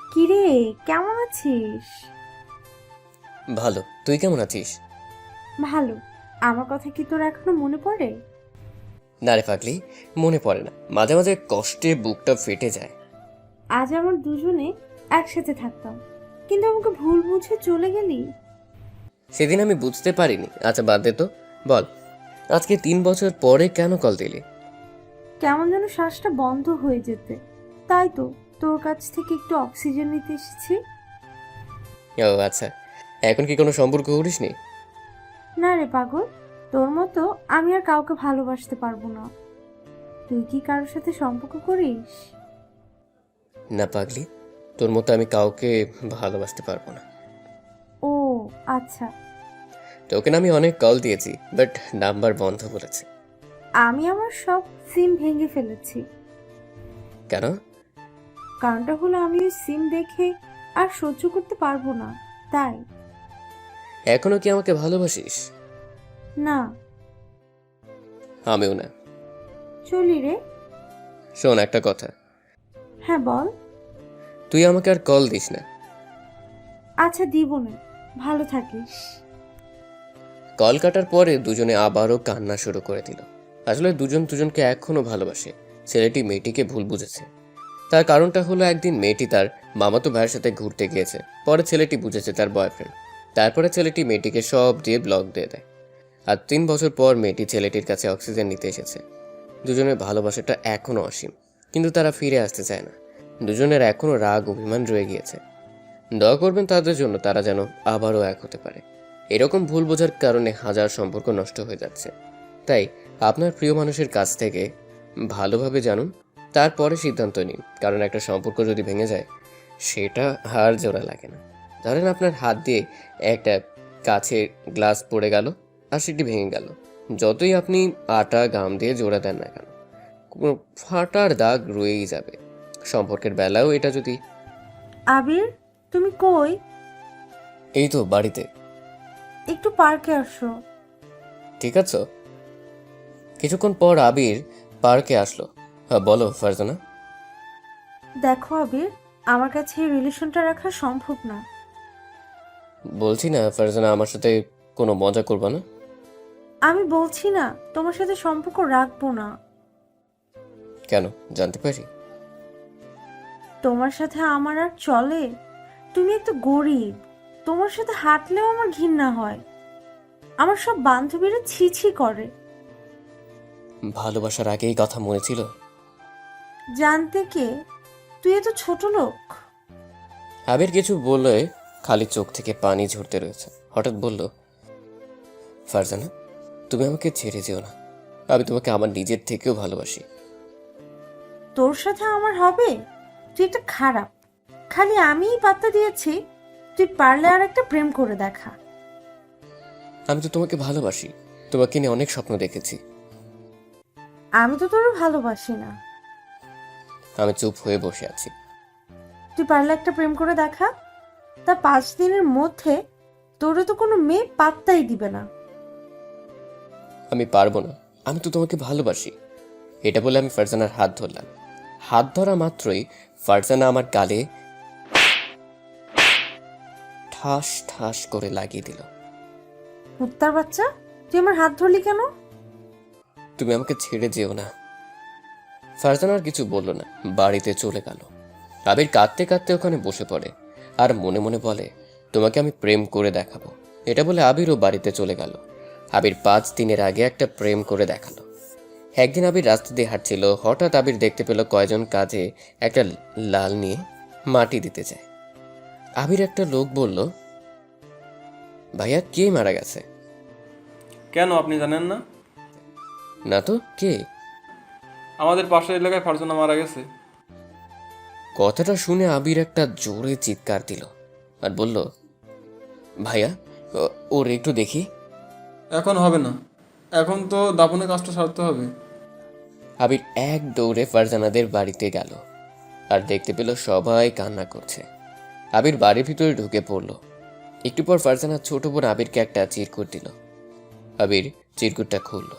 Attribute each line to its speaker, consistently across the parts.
Speaker 1: কিরে, কেমন আছিস?
Speaker 2: ভালো। তুই কেমন আছিস?
Speaker 1: ভালো। আমার কথা কি তোর এখনো মনে পড়ে?
Speaker 2: না রে পাগলি, মনে পড়ে না। মাঝে মাঝে কষ্টে বুকটা ফেটে যায়।
Speaker 1: আজ আমরা দুজনে একসাথে থাকতাম, কিন্তু আমাকে ভুল বুঝে চলে গেলি।
Speaker 2: সেদিন আমি বুঝতে পারিনি। আচ্ছা বাদ দে তো। বল, আজকে 3 বছর পরে কেন কল দিলি?
Speaker 1: কেমন যেন শ্বাসটা বন্ধ হয়ে যেতে, তাই তো তোর কাছ থেকে একটু অক্সিজেন নিতে এসেছি।
Speaker 2: ও আচ্ছা, এখন কি কোনো সম্পর্ক করিসনি?
Speaker 1: না রে পাগল, তোর মতো আমি আর কাউকে ভালোবাসতে পারবো না। তুই কি কারোর সাথে সম্পর্ক করিস?
Speaker 2: না পাগলি, তোর মতো আমি কাউকে ভালোবাসতে পারবো না।
Speaker 1: ও আচ্ছা।
Speaker 2: তোকে না আমি অনেক কল দিয়েছি, বাট নাম্বার বন্ধ বলেছে।
Speaker 1: আমি আমার সব সিম ভেঙে ফেলেছি।
Speaker 2: কেন?
Speaker 1: কারণটা হলো আমি ওই সিম দেখে আর সহ্য করতে পারবো না, তাই।
Speaker 2: এখনো কি আমাকে ভালোবাসিস?
Speaker 1: না।
Speaker 2: আমিও না।
Speaker 1: চলি রে।
Speaker 2: শোন একটা কথা,
Speaker 1: হ্যাঁ বল।
Speaker 2: তুই আমাকে আর কল দিস না।
Speaker 1: আচ্ছা দিব না, ভালো থাকিস।
Speaker 2: কল কাটার পরে দুজনে আবারও কান্না শুরু করে দিল। আসলে দুজন দুজনকে এখনো ভালোবাসে। ছেলেটি মেয়েটিকে ভুল বুঝেছে। তার কারণটা হলো একদিন মেয়েটি তার মামাতো ভাইয়ের সাথে ঘুরতে গিয়েছে। পরে ছেলেটি বুঝেছে তার বয়ফ্রেন্ড। তারপরে ছেলেটি মেয়েটিকে সব দিয়ে ব্লক দিয়ে দেয়। আর 3 বছর পর মেয়েটি ছেলেটির কাছে অক্সিজেন নিতে এসেছে। দুজনের ভালোবাসাটা এখনো অসীম, কিন্তু তারা ফিরে আসতে চায় না। দুজনের এখনো রাগ অভিমান রয়ে গিয়েছে। দোয়া করবেন তাদের জন্য, তারা যেন আবারও এক হতে পারে। এরকম ভুল বোঝার কারণে হাজার সম্পর্ক নষ্ট হয়ে যাচ্ছে। তাই আপনার প্রিয় মানুষের কাছ থেকে ভালোভাবে জানুন, তারপরে সিদ্ধান্ত নিন। কারণ একটা সম্পর্ক যদি ভেঙে যায়, সেটা হার জোড়া লাগে না। ধরেন আপনার হাত দিয়ে একটা কাছের গ্লাস পড়ে গেল, আর সেটি ভেঙে গেল। যতই আপনি আটা গাম দিয়ে জোড়া দেন না কেন, কোনো ফাটার দাগ রয়েই যাবে। সম্পর্কের বেলাও এটা যদি।
Speaker 1: আবির, তুমি কই?
Speaker 2: এই তো বাড়িতে।
Speaker 1: একটু পার্কে আসো।
Speaker 2: ঠিক আছে। কিছুক্ষণ পর আবির পার্কে আসলো। হ্যাঁ বলো ফারজানা।
Speaker 1: দেখো আবির, আমার কাছে এই রিলেশনটা রাখা সম্ভব না।
Speaker 2: বলছি না ফারজানা, আমার সাথে কোনো মজা করবা না?
Speaker 1: আমি বলছি না তোমার সাথে সম্পর্ক রাখবো না।
Speaker 2: কেন, জানতে পারি?
Speaker 1: তোমার সাথে আমার আর চলে? তুমি একটা গরিব, তোমার সাথে হাঁটলেও আমার ঘৃণা হয়। আমার সব বান্ধবীরা ছি ছি করে।
Speaker 2: ভালোবাসার আগেই কথা মনে ছিল?
Speaker 1: জানতে কে? তুই এত ছোট লোক।
Speaker 2: আবির কিছু বলে খালি চোখ থেকে পানি ঝরতে রয়েছে। হঠাৎ বলল, ফারজানা তুমি আমাকে ছেড়ে যেও না। আমি তোমাকে আমার নিজের থেকেও ভালোবাসি।
Speaker 1: তোর সাথে আমার হবে? তুই একটা খারাপ। খালি আমিই পাত্তা দিয়েছি। তুই পারলে আর একটা প্রেম করে দেখা।
Speaker 2: আমি তো তোমাকে ভালোবাসি, তোমাকে নিয়ে অনেক স্বপ্ন দেখেছি।
Speaker 1: আমি তো তোর ভালোবাসি না।
Speaker 2: আমি চুপ হয়ে বসে আছি।
Speaker 1: তুই পারলে একটা প্রেম করে দেখা। তা 5 দিনের মধ্যে তোরে তো কোনো মেয়ে পাত্তাই দিবে না।
Speaker 2: আমি পারবো না, আমি তো তোমাকে ভালোবাসি। এটা বলে আমি ফারজানার হাত ধরলাম। হাত ধরা মাত্রই ফারজানা আমার গালে ঠাস ঠাস করে লাগিয়ে দিল।
Speaker 1: কুত্তার বাচ্চা, তুই আমার হাত ধরলি কেন?
Speaker 2: তুমি আমাকে ছেড়ে যেও না। ফারজানা আর কিছু বলল না, বাড়িতে চলে গেল। আবির কাঁদতে কাঁদতে ওখানে বসে পড়ে আর মনে মনে বলে, তোমাকে আমি প্রেম করে দেখাবো। এটা বলে আবিরও বাড়িতে চলে গেল। আবির 5 দিনের আগে একটা প্রেম করে দেখালো। একদিন আবির রাস্তা দিয়ে হাঁটছিল। হঠাৎ আবির দেখতে পেল কয়জন কাজে একটা লাল নিয়ে মাটি দিতে যায়। আবির একটা লোক বলল, ভাইয়া কে মারা গেছে?
Speaker 3: কেন আপনি জানেন না?
Speaker 2: না তো, কে?
Speaker 3: আমাদের পাশের এলাকায় ফারজানা মারা গেছে।
Speaker 2: কথাটা শুনে আবির একটা জোরে চিৎকার দিল আর বলল, ভাইয়া ওর একটু দেখি।
Speaker 3: এখন হবে না, এখন তো দাফনের কাজটা সারতে হবে।
Speaker 2: আবির এক দৌড়ে ফারজানাদের বাড়িতে গেল আর দেখতে পেল সবাই কান্না করছে। আবির বাড়ির ভিতরে ঢুকে পড়ল। একটু পর ফারজানার ছোট বোন আবিরকে একটা চিরকুট দিল। আবির চিরকুটটা খুলল।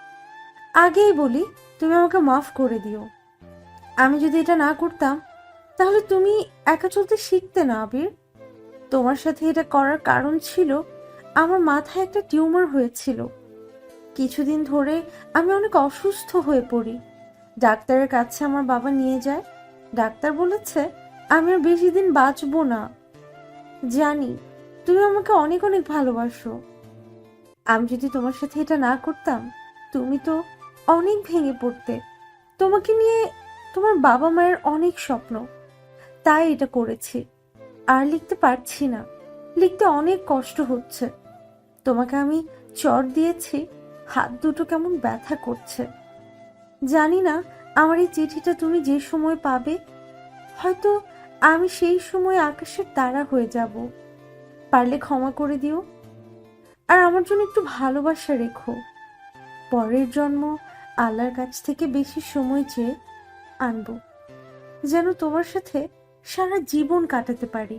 Speaker 1: আগেই বলি তুমি আমাকে মাফ করে দিও। আমি যদি এটা না করতাম তাহলে তুমি একা চলতে শিখতে না আবির। তোমার সাথে এটা করার কারণ ছিল আমার মাথায় একটা টিউমার হয়েছিল। কিছুদিন ধরে আমি অনেক অসুস্থ হয়ে পড়ি। ডাক্তারের কাছে আমার বাবা নিয়ে যায়। ডাক্তার বলেছে আমি আর বেশি দিন বাঁচবো না। জানি তুমি আমাকে অনেক অনেক ভালোবাসো। আমি যদি তোমার সাথে এটা না করতাম তুমি তো অনেক ভেঙে পড়তে। তোমাকে নিয়ে তোমার বাবা মায়ের অনেক স্বপ্ন, তাই এটা করেছি। আর লিখতে পারছি না, লিখতে অনেক কষ্ট হচ্ছে। তোমাকে আমি চট দিয়েছি, হাত দুটো কেমন ব্যথা করছে। জানি না আমার এই চিঠিটা তুমি যে সময় পাবে, হয়তো আমি সেই সময় আকাশের তারা হয়ে যাব। পারলে ক্ষমা করে দিও, আর আমার জন্য একটু ভালোবাসা রেখো। পরের জন্ম আল্লাহর কাছ থেকে বেশি সময় চেয়ে আনবো, যেন তোমার সাথে সারা জীবন কাটাতে পারি।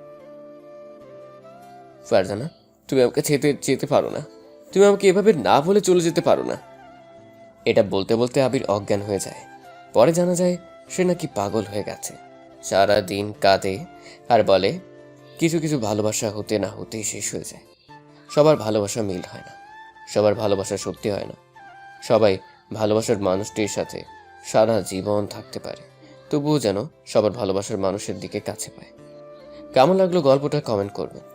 Speaker 2: ফারজানা, তুমি আমাকে যেতে পারো না। তুমি আমাকে এভাবে না বলে চলে যেতে পারো না। এটা বলতে বলতে আবির অজ্ঞান হয়ে যায়। পরে জানা যায় সে নাকি পাগল হয়ে গেছে। সারা দিন কাঁদে আর বলে কিছু কিছু ভালোবাসা হতে না হতেই শেষ হয়ে যায়। সবার ভালোবাসা মিল হয় না, সবার ভালোবাসা সত্যি হয় না। সবাই ভালোবাসার মানুষটির সাথে সারা জীবন থাকতে পারে, তবুও যেন সবার ভালোবাসার মানুষের দিকে কাছে পায়। কেমন লাগলো গল্পটা কমেন্ট করবেন।